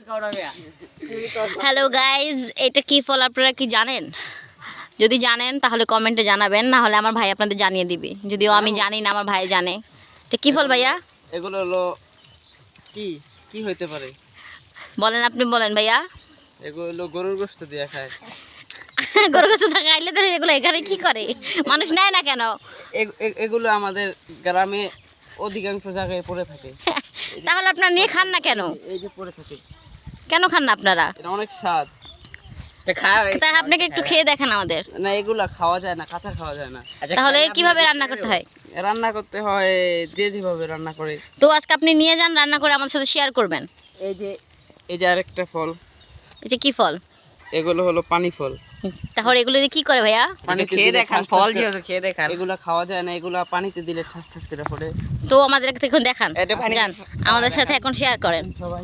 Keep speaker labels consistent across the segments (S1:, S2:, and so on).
S1: Hello guys, এটা কি ফল আপনারা কি জানেন? যদি জানেন তাহলে কমেন্টে জানাবেন, না হলে আমার ভাই আপনাদের জানিয়ে দিবে। যদিও আমি জানি না, আমার ভাই জানে। তো কি ফল ভাইয়া?
S2: এগুলো হলো কি কি হইতে পারে?
S1: বলেন, আপনি বলেন ভাইয়া।
S2: এগুলো হলো গরুর গোশত দিয়ে খায়।
S1: গরু গাছে থাকা আইলে তো এগুলো এখানে কি করে? মানুষ নেয় না কেন?
S2: এগুলো আমাদের গ্রামে অধিকাংশ জায়গায় পড়ে থাকে।
S1: তাহলে আপনারা নিয়ে খান না কেন?
S2: এই যে পড়ে থাকে,
S1: কেন খান না আপনারা?
S2: এটা অনেক স্বাদ।
S1: তাই আপনাকে একটু খেয়ে দেখেন আমাদের।
S2: না, এগুলা খাওয়া যায় না, কাঁচা খাওয়া যায় না।
S1: তাহলে কিভাবে রান্না করতে হয়?
S2: রান্না করতে হয় যে যেভাবে রান্না করে।
S1: তো আজকে আপনি নিয়ে যান, রান্না করে আমাদের সাথে শেয়ার করবেন।
S2: এই যে আরেকটা ফল,
S1: এটা কি ফল?
S2: এগুলো হলো পানি ফল।
S1: তাহলে এগুলো দিয়ে কি করে ভাইয়া?
S2: পানিতে খেয়ে দেখান, ফল যেহেতু খেয়ে দেখান। এগুলা খাওয়া যায় না, এগুলা পানিতে দিলে ঠাস ঠাস করে পড়ে।
S1: তো আমাদের এখন দেখান, যান আমাদের সাথে এখন শেয়ার করেন
S2: সবাই।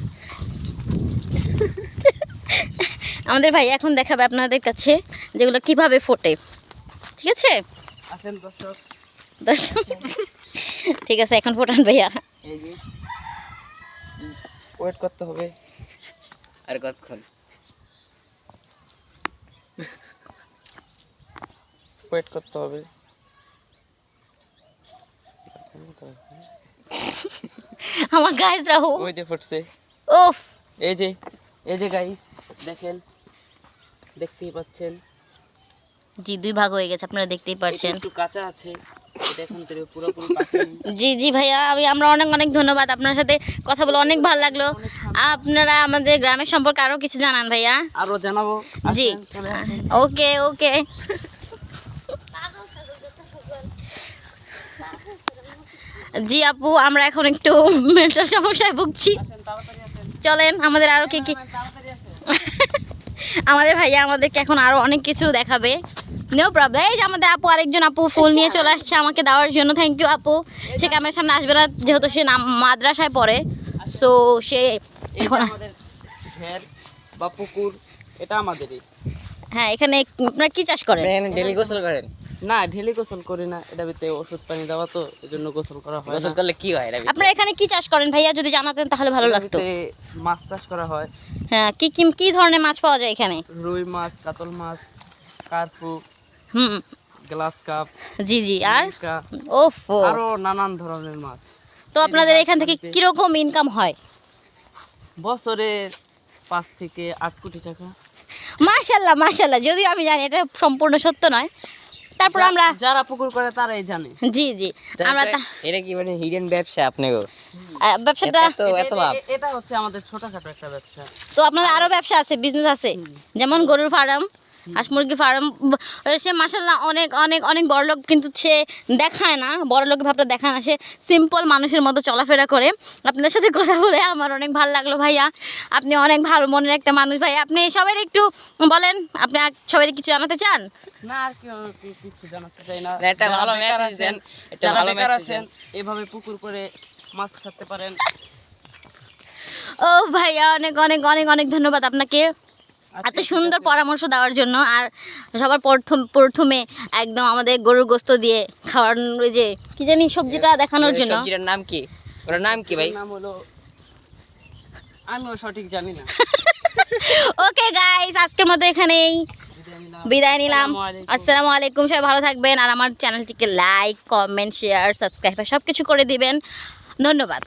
S1: আমাদের ভাই এখন দেখাবে আপনাদের কাছে যেগুলো কিভাবে ফোটে। ঠিক আছে
S2: আসেন দর্শক।
S1: দর্শক, ঠিক আছে, এখন ফোটান ভাইয়া।
S2: এই যে ওয়েট করতে হবে আর কতক্ষণ ওয়েট করতে হবে।
S1: আমার গাইস রাহু
S2: ওই যে ফুটছে।
S1: ওফ,
S2: এই যে গাইস দেখেন, দেখতেই পাচ্ছেন।
S1: জি, দুই ভাগ হয়ে গেছে, আপনারা দেখতেই পারছেন।
S2: একটু কাঁচা আছে, এটা এখন থেকে পুরোপুরি পাকেনি।
S1: জি জি ভাইয়া, আমরা অনেক অনেক ধন্যবাদ। আপনার সাথে কথা বলে অনেক ভালো লাগলো। আপনারা আমাদের গ্রামের সম্পর্কে আরো কিছু জানান ভাইয়া।
S2: আরো জানাবো।
S1: জি,
S2: আসেন, চলে আসেন।
S1: ওকে ওকে। জি আপু, আমরা এখন একটু মেন্টাল সমস্যায় ভুগছি।
S2: আসেন, তাড়াতাড়ি আসেন।
S1: চলেন, আমাদের আরো কি কি
S2: তাড়াতাড়ি আসেন।
S1: আমাদের ভাইয়া আমাদেরকে এখন আরো অনেক কিছু দেখাবে। No problem. এই যে আমাদের আপু, আরেকজন আপু ফুল নিয়ে চলে আসছে আমাকে দেওয়ার জন্য। থ্যাংক ইউ আপু। সে ক্যামেরার সামনে আসবে না, যেহেতু সে মাদ্রাসায় পড়ে। সো সে
S2: এই যে
S1: এখন,
S2: আমাদের ঘের বা পুকুর, এটা আমাদেরই।
S1: হ্যাঁ, এখানে আপনারা কি চাষ করেন?
S3: ডেলি গোসল করেন?
S2: না, ঢেলে গোসল করি না, এটা ভিতরে ওষুধ পানি দেওয়া, তো এই জন্য গোসল করা হয়
S3: গোসল
S2: না।
S3: করলে কি হয়?
S1: আপনারা এখানে কি চাষ করেন ভাইয়া? যদি জানাতেন তাহলে ভালো
S2: এটার
S1: লাগতো।
S2: ভিতরে মাছ চাষ করা হয়।
S1: হ্যাঁ, কি কি কি ধরনের মাছ পাওয়া যায় এখানে?
S2: রুই মাছ, কাতল মাছ, কার্পু,
S1: হুম,
S2: গ্লাস কাপ,
S1: জি জি। আর
S2: মিরকা,
S1: ওফো,
S2: আরো নানান ধরনের মাছ।
S1: তো আপনাদের এখান থেকে কিরকম ইনকাম হয়?
S2: বছরে 5 থেকে 8 কোটি টাকা।
S1: মাশাল্লাহ মাশাল্লাহ, যদিও আমি জানি এটা সম্পূর্ণ সত্য নয়, তারপর আমরা,
S2: যারা পুকুর করে তারাই জানে।
S1: জি জি, আমরা
S3: এটা কি মানে হিডেন ব্যবসা আপনাকে?
S1: ব্যবসাটা,
S3: এত লাভ?
S2: এটা হচ্ছে আমাদের ছোটখাটো একটা ব্যবসা।
S1: তো আপনাদের আরো ব্যবসা আছে, বিজনেস আছে, যেমন গরুর ফার্ম, হাঁস মুরগি ফার্ম। সে মাশাল্লাহ অনেক অনেক অনেক বড়লোক, কিন্তু সে দেখায় না, বড়লোক ভাবটা দেখায় না, সে সিম্পল মানুষের মতো চলাফেরা করে। আপনাদের সাথে কথা বলে আমার অনেক ভালো লাগলো ভাইয়া। আপনি অনেক ভালো মনের একটা মানুষ ভাই। আপনি সবাই একটু বলেন, আপনি সবাই কিছু জানাতে চান?
S2: না, আর কিছু জানাতে চাই না।
S3: একটা ভালো মেসেজ দেন, একটা ভালো মেসেজ দেন।
S2: এভাবে পুকুর করে মাছ ছাড়তে পারেন।
S1: ও ভাইয়া, অনেক অনেক অনেক অনেক ধন্যবাদ আপনাকে এত সুন্দর পরামর্শ দেওয়ার জন্য। আর সবার প্রথমে একদম আমাদের গরুর গোস্ত দিয়ে খাওয়ানোর, ওই যে কি জানি সবজিটা দেখানোর জন্য।
S3: সবজিটার নাম কি? ওটার নাম কি ভাই?
S2: নাম হলো, আমিও সঠিক জানি না।
S1: ওকে গাইস, আজকের মতো এখানেই বিদায় নিলাম। আসসালামু আলাইকুম। সবাই ভালো থাকবেন, আর আমার চ্যানেলটিকে লাইক, কমেন্ট, শেয়ার, সাবস্ক্রাইব সব কিছু করে দিবেন। ধন্যবাদ।